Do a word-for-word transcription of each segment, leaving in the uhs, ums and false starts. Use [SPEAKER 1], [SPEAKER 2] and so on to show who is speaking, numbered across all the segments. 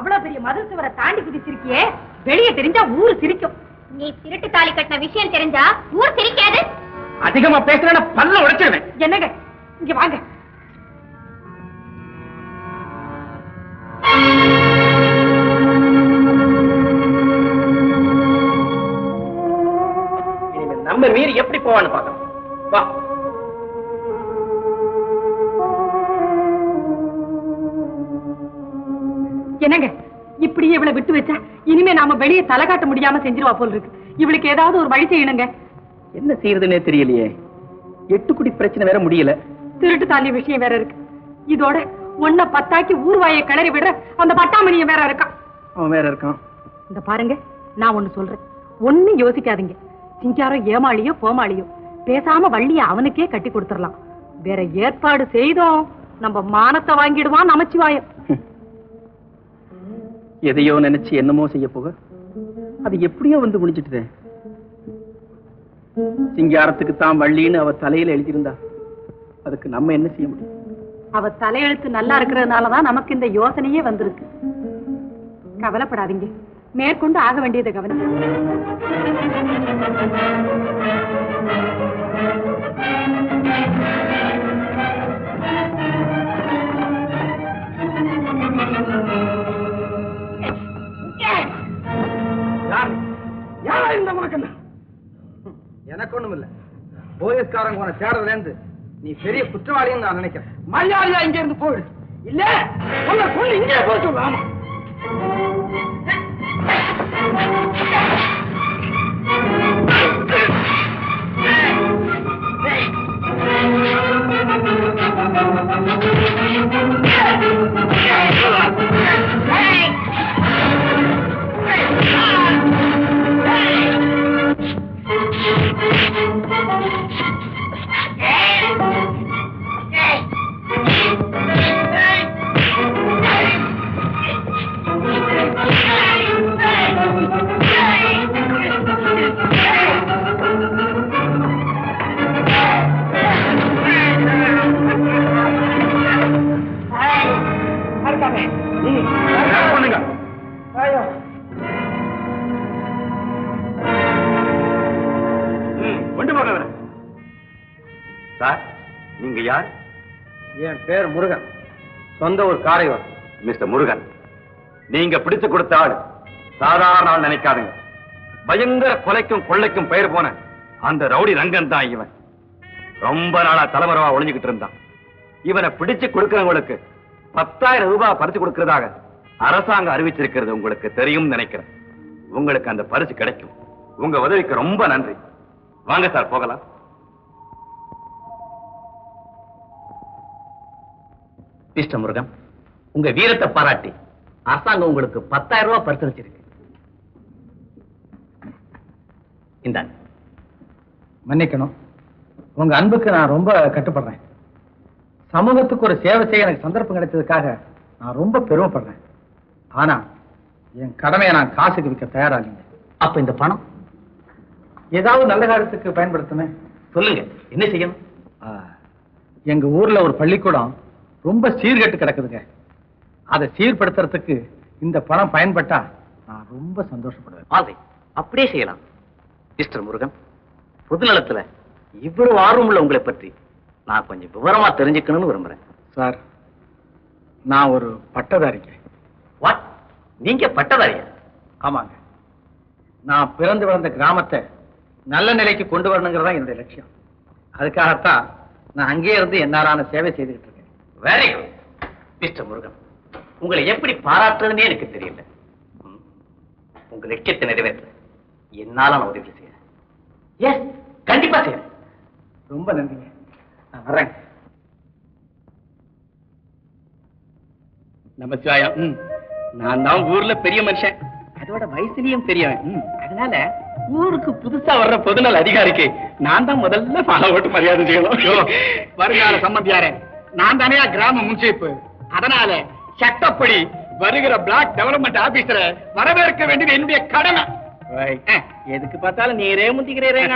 [SPEAKER 1] அவ்வளவு பெரிய மதில் சுவரை தாண்டி குதிச்சிருக்கியே, வெளியே தெரிஞ்சா ஊர் சிரிக்கும்.
[SPEAKER 2] நீ திருட்டு தாலி கட்டின விஷயம் தெரிஞ்சா ஊர் சிரிக்காது.
[SPEAKER 3] அதிகமா பேசுறேன்னா பல்ல உடைச்சிருவேன்.
[SPEAKER 1] என்னங்க இங்க வாங்க.
[SPEAKER 3] நம்ம மீறி எப்படி போவான்னு பாக்கலாம். வா.
[SPEAKER 1] என்னங்க இப்படியே இவளை விட்டு வச்சா இனிமே நாம வெளியே தலை காட்ட முடியாம செஞ்சிருவா போல் இருக்கு. இவளுக்கு ஏதாவது ஒரு வழி செய்யணுங்க.
[SPEAKER 3] என்ன செய்யறதுன்னே தெரியலையே. எட்டு குடி பிரச்சனை வேற முடியல.
[SPEAKER 1] திருட்டு தாலி விஷயம் வேற இருக்கு. இதோட ஒன்ன பத்தாக்கி ஊர்வாயை கிளறி விடுற அந்த பட்டாமணிய வேற இருக்கான்.
[SPEAKER 3] அவன் வேற இருக்கான்.
[SPEAKER 1] இந்த பாருங்க, நான் ஒண்ணு சொல்றேன், ஒண்ணு யோசிக்காதீங்க. சிங்காரம் ஏமாளியோ கோமாளியோ பேசாம வள்ளிய அவனுக்கே கட்டி கொடுத்துடலாம். வேற ஏற்பாடு செய்தோம் நம்ம மானத்தை வாங்கிடுவான் நமச்சிவாயம்.
[SPEAKER 3] எதையோ நினைச்சு என்னமோ செய்ய போக அது எப்படியோ வந்து முடிச்சிட்டு. சிங்காரத்துக்கு தான் வள்ளின்னு அவ தலையில எழுதியிருந்தா அதுக்கு நம்ம என்ன செய்ய முடியும்?
[SPEAKER 1] அவ தலையெழுத்து நல்லா இருக்கிறதுனாலதான் நமக்கு இந்த யோசனையே வந்திருக்கு. கவலைப்படாதீங்க, மேற்கொண்டு ஆக வேண்டியதை கவனம்.
[SPEAKER 3] எனக்கு ஒண்ணும் இல்ல. போலீஸ்காரங்க உன தேடுறதுல இருந்து நீ பெரிய குற்றவாளின்னு நான் நினைக்கிறேன். மரியாதையா இங்க இருந்து போயிடு. இல்ல உன்னை கொண்டு இங்கே போய் சொல்லலாமா?
[SPEAKER 4] சார், நீங்க யார்?
[SPEAKER 3] என் பேர் முருகன், சொந்த ஒரு காரைவர்.
[SPEAKER 4] மிஸ்டர் முருகன், நீங்க பிடிச்சு கொடுத்த ஆள் சாதாரண ஆள் நினைக்காதுங்க. பயங்கர கொலைக்கும் கொள்ளைக்கும் பெயர் போன அந்த ரவுடி ரங்கன் தான் இவன். ரொம்ப நாளா தலைமறைவா ஒளிஞ்சுக்கிட்டு இருந்தான். இவனை பிடிச்சு கொடுக்கிறவங்களுக்கு பத்தாயிரம் ரூபாய் பரிசு கொடுக்கிறதாக அரசாங்கம் அறிவிச்சிருக்கிறது உங்களுக்கு தெரியும் நினைக்கிறேன். உங்களுக்கு அந்த பரிசு கிடைக்கும். உங்க உதவிக்கு ரொம்ப நன்றி. வாங்க சார், போகலாம்.
[SPEAKER 3] மிஸ்டர் முருகன், உங்க வீரத்தை பாராட்டி அரசாங்கம் உங்களுக்கு பத்தாயிரம் ரூபாய் பரிசளிச்சிருக்கு. இந்தாங்க. மன்னிக்கணும், உங்க அன்புக்கு நான் ரொம்ப கட்டுப்படுறேன். சமூகத்துக்கு ஒரு சேவை செய்ய எனக்கு சந்தர்ப்பம் கிடைச்சதுக்காக நான் ரொம்ப பெருமைப்படுறேன். ஆனா என் கடமையை நான் காசுக்கு விற்க தயாராகிங்க. அப்ப இந்த பணம் ஏதாவது நல்ல காரியத்துக்கு பயன்படுத்துமே. சொல்லுங்க, என்ன செய்யணும்? எங்க ஊர்ல ஒரு பள்ளிக்கூடம் ரொம்ப சீர்கெட்டு கிடக்குதுங்க. அதை சீர்படுத்துறதுக்கு இந்த பணம் பயன்பட்டா நான் ரொம்ப சந்தோஷப்படுவேன். அப்படியே செய்யலாம். மிஸ்டர் முருகன், பொதுநலத்துல இவ்வளவு ஆர்வம் உள்ள உங்களை பற்றி நான் கொஞ்சம் விவரமா தெரிஞ்சுக்கணும்னு விரும்புறேன். சார், நான் ஒரு பட்டதாரிங்க. வாட்? நீங்க பட்டதாரியா? ஆமாங்க. நான் பிறந்து வளர்ந்த கிராமத்தை நல்ல நிலைக்கு கொண்டு வரணுங்கிறதா என்னுடைய லட்சியம். அதுக்காகத்தான் நான் அங்கேயே இருந்து என்னாலான சேவை செய்துகிட்டு இருக்கேன். வெரி குட் மிஸ்டர் முருகன், உங்களை எப்படி பாராட்டுறதுன்னே எனக்கு தெரியல. உங்க லட்சியத்தை நிறைவேற்ற என்னால நான் உதவி செய்ய. எஸ், கண்டிப்பா செய்ய. ரொம்ப நன்றிங்க. நான் வர்றேன். நமச்சிவாயம். நான் தான் ஊர்ல பெரிய மனுஷன், அதோட வயசுலயும் பெரியவன். அதனால ஊருக்கு புதுசா வர்ற பொதுநல அதிகாரிக்கு நான் தான் முதல்ல மாலை போட்டு மரியாதை செய்யணும். வருங்கால சம்பந்தியாரே, நான் தானே கிராம முன்சீப்பு. அதனால சட்டப்படி வருகிற பிளாக் டெவலப்மெண்ட் ஆபீசரை வரவேற்க வேண்டியது என்னுடைய கடமை. எதுக்கு பார்த்தாலும் நீரே முந்திக்கிறீரே.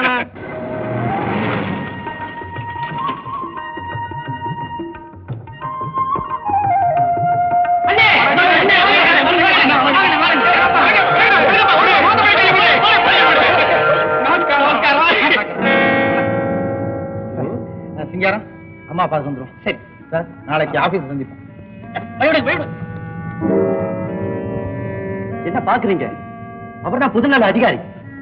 [SPEAKER 3] அம்மா பார்த்து வந்துடும்.
[SPEAKER 5] சரி
[SPEAKER 3] சார், நாளைக்கு ஆபீஸ் சந்திப்போம்.
[SPEAKER 5] வழிவிடு, வழிவிடு. என்ன பாக்குறீங்க? அவர்தான் புதுநல அதிகாரி.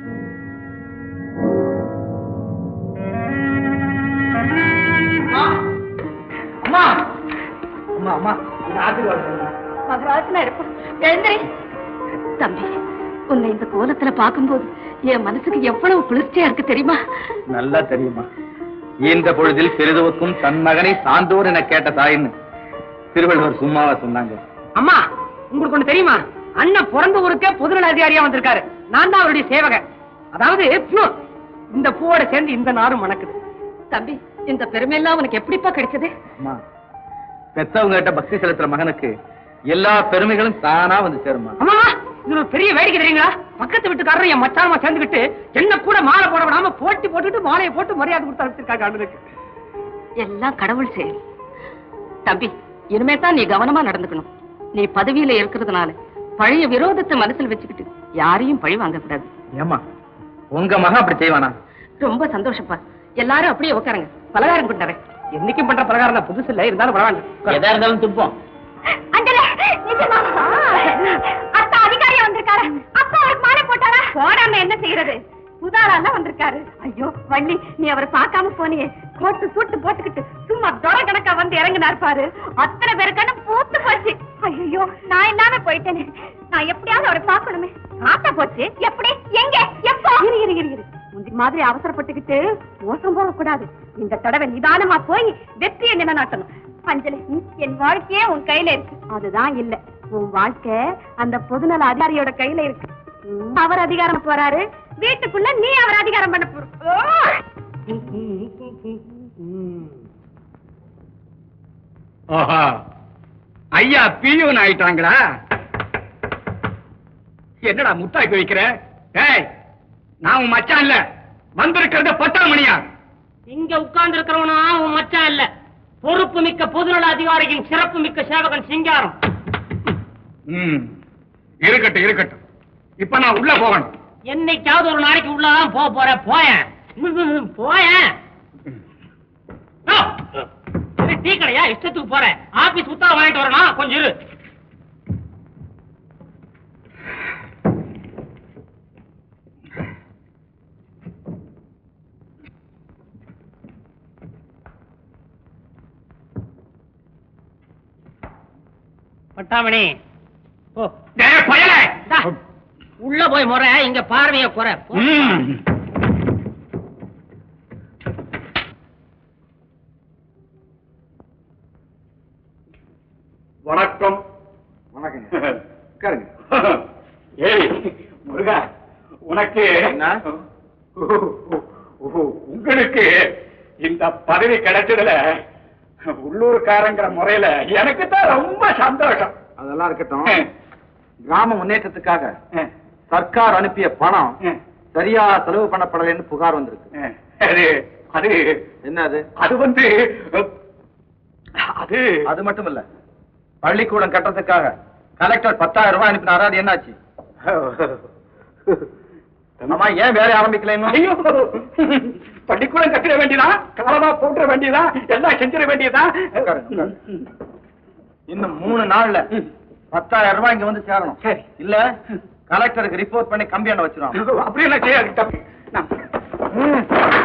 [SPEAKER 3] அம்மா அம்மா அம்மா ஆசீர்வாதம்.
[SPEAKER 1] மகராஜனா இருப்பான். எழுந்திரி தம்பி. உன்னை இந்த கோலத்துல பார்க்கும்போது என் மனசுக்கு எவ்வளவு குளிர்ச்சியா இருக்கு தெரியுமா?
[SPEAKER 3] நல்லா தெரியுமா. இந்த பொழுதில் பெரிதுவுக்கும் தன் மகனை சான்றோர் என கேட்ட தாயின்னு திருவள்ளுவர் சும்மாவா சொன்னாங்க.
[SPEAKER 5] அம்மா, உங்களுக்கு ஒண்ணு தெரியுமா? அண்ணன் பிறந்த ஊருக்கே பொதுநல அதிகாரியா வந்திருக்காரு. நான் தான் அவருடைய சேவகன். அதாவது பியூர். இந்த பூவோட சேர்ந்து இந்த நாரும் மணக்குது.
[SPEAKER 1] தம்பி, இந்த பெருமையெல்லாம் உனக்கு எப்படிப்பா கிடைச்சது?
[SPEAKER 3] அம்மா, பெத்தவங்க கிட்ட பக்தி செலுத்துற மகனுக்கு எல்லா பெருமைகளும் தானா வந்து சேருமா.
[SPEAKER 5] அம்மா, இது ஒரு பெரிய வேடிக்கை தெரியுங்களா? பக்கத்து வீட்டுக்காரர் என் மச்சானமா சேர்ந்துக்கிட்டு என்ன கூட மாலை போட விடாம போட்டி போட்டுட்டு மாலையை போட்டு மரியாதை கொடுத்து அனுப்பிச்சிருக்காங்க அண்ணனுக்கு.
[SPEAKER 1] எல்லாம் கடவுள் செயல். தம்பி, இனிமே தான் நீ கவனமா நடந்துக்கணும். நீ பதவியில இருக்கிறதுனால பழைய விரோதத்தை மனசுல வச்சுக்கிட்டு யாரையும் பழி வாங்க கூடாது.
[SPEAKER 3] ஏமா, உங்க மகன் அப்படி செய்வானா?
[SPEAKER 1] ரொம்ப சந்தோஷப்பா. எல்லாரும் அப்படியே உட்காருங்க. பலகாரம் கொண்டாரேன்.
[SPEAKER 5] என்னைக்கும் பண்ற பிரகாரம் தான், புதுசு இல்ல, இருந்தாலும் பரவாயில்ல.
[SPEAKER 3] எதா இருந்தாலும் துப்போம்.
[SPEAKER 2] அஞ்சலி, நிஜமா? அத்தா அதிகாரியா வந்திருக்காரு. அப்பா அவருக்கு மாலை போட்டாரா? போடாம என்ன செய்யறது? புதாரால வந்திருக்காரு. ஐயோ வள்ளி, நீ அவரை பார்க்காம போனியே. கோட்டு சூட்டு போட்டுக்கிட்டு சும்மா தொட கணக்கா வந்து இறங்கினார் பாரு. அத்தனை பேருக்கான பூத்து போச்சு. ஐயோ, நான் இல்லாம போயிட்டேனே. நான் எப்படியாவது அவரை பார்க்கணுமே. ஆசை போச்சு. எப்படி? எங்க? எப்போ? இரு இரு இரு இரு முந்தி மாதிரி அவசரப்பட்டுக்கிட்டு மோசம் போக கூடாது. இந்த தடவை நிதானமா போய் வெற்றியை நிலைநாட்டணும். அஞ்சலி, என் வாழ்க்கையே உன் கையில இருக்கு. அதுதான் இல்ல, உன் வாழ்க்கை அந்த பொதுநல அதிகாரியோட கையில இருக்கு. அவர் அதிகாரம் போறாரு, வீட்டுக்குள்ள நீ அவர் அதிகாரம் பண்ண போற.
[SPEAKER 5] ஓஹோ, ஐயா பியூன் ஆயிட்டாங்களா? என்னடா முட்டாய் வைக்கிற? ஏய், நான் உன் மச்சான் இல்ல, வந்திருக்கிறது பத்தாம் மணியா. இங்க உட்கார்ந்து இருக்கிறவனா உன் மச்சான் இல்ல, பொறுப்பு மிக்க பொதுநல அதிகாரியின் சிறப்பு மிக்க சேவகன் சிங்காரம். இருக்கட்டும் இருக்கட்டும், இப்ப நான் உள்ள போகணும். என்னைக்காவது ஒரு நாளைக்கு உள்ளதான் போக போற. போயேன் போயேன். டீ கடையா? இஷ்டத்துக்கு போறேன். ஆபீஸ் உத்தரவு வாங்கிட்டு வரணும். கொஞ்சம் இரு. பட்டாமணி, உள்ள போய் முறை, இங்க பார்வைய குறை.
[SPEAKER 4] வணக்கம்.
[SPEAKER 3] வணக்கம்.
[SPEAKER 4] ஏய் முருகா, உனக்கு உங்களுக்கு இந்த பதவி கிடைச்சதுல உள்ளூர்காரங்கிற முறையில எனக்கு தான் ரொம்ப சந்தோஷம்.
[SPEAKER 3] அதெல்லாம் இருக்கட்டும். கிராம முன்னேற்றத்துக்காக சர்க்கார் அனுப்பிய பணம் சரியா செலவு பண்ணப்படலைன்னு புகார் வந்திருக்கு.
[SPEAKER 4] அது அது
[SPEAKER 3] என்ன அது?
[SPEAKER 4] அது வந்து அது
[SPEAKER 3] அது மட்டும் இல்ல, பள்ளிக்கூடம் கட்டுறதுக்காக கலெக்டர் பத்தாயிரம் ரூபாய் அனுப்பினாரா? அது என்னாச்சு? அம்மா, ஏன் வேலை ஆரம்பிக்கல?
[SPEAKER 4] ஐயோ, பள்ளிக்கூடம் கட்டிட வேண்டியதா, காலமா போட்டுற வேண்டியதா, எல்லாம் செஞ்சிட வேண்டியதா.
[SPEAKER 3] இன்னும் மூணு நாள்ல பத்தாயிரம் ரூபாய் இங்க வந்து சேரணும்.
[SPEAKER 4] சரி.
[SPEAKER 3] இல்ல கலெக்டருக்கு ரிப்போர்ட் பண்ணி கம்பி எண்ண வச்சிருவாங்க.
[SPEAKER 4] அப்படி எல்லாம் செய்யாது.